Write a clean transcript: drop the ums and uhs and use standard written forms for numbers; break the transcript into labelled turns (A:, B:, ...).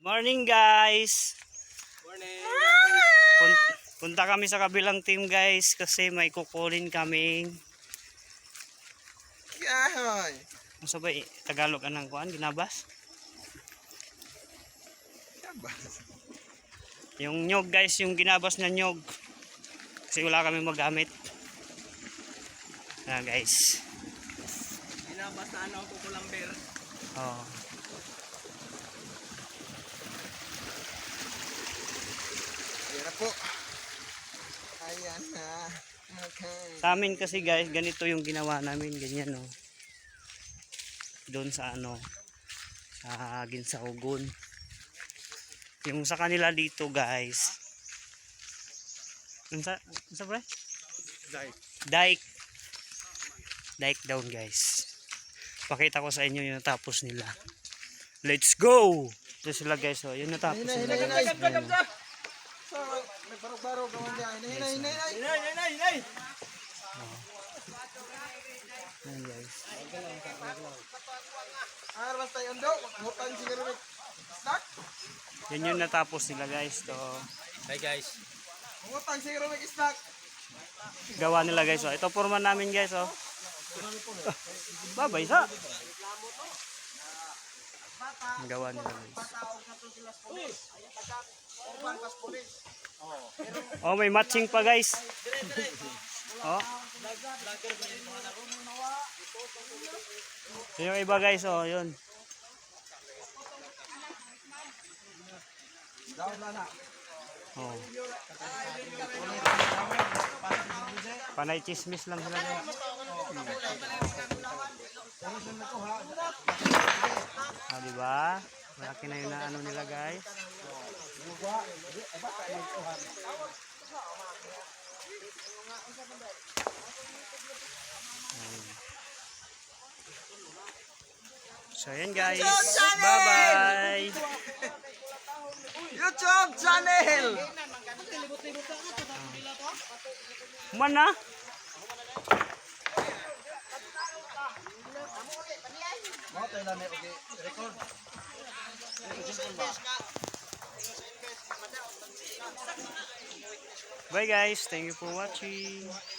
A: Morning guys.
B: Morning.
A: Punta kami sa kabilang team guys kasi may kukulin kaming
B: Yahoy.
A: ano ba Tagalog anang kuan ginabas? Yung nyog guys, yung ginabas na nyog. Kasi wala kami magamit. Na guys.
B: Ginabas na ano kukulamber.
A: Oh.
B: Ayan po. Ayan na. Okay.
A: Sa amin kasi guys, ganito yung ginawa namin, ganyan oh. Doon sa ano, sa Ginsahugon. Yung sa kanila dito guys. Sa pre? Dike. Dike down guys. Pakita ko sa inyo yung natapos nila. Let's go! Ito sila guys oh, yung natapos nila guys.
B: May barog-barog naman niya. Hinay.
A: Ayan guys.
B: Basta yun daw. Hutan siguro may snack.
A: Yan yung natapos nila guys. To
B: Hi guys. Hutan siguro may snack.
A: gawa nila guys oh. Ito forma namin guys oh. Babay sa. Ang gawa nila guys. Oh, may matching pa guys. Oh. Yung iba guys oh, yun. Oh. Panay chismis lang sila guys. Ah, diba? Malaki na yun na ano nila guys. So yan guys. Bye-bye.
B: YouTube channel.
A: Mana? Bye guys. Thank you for watching.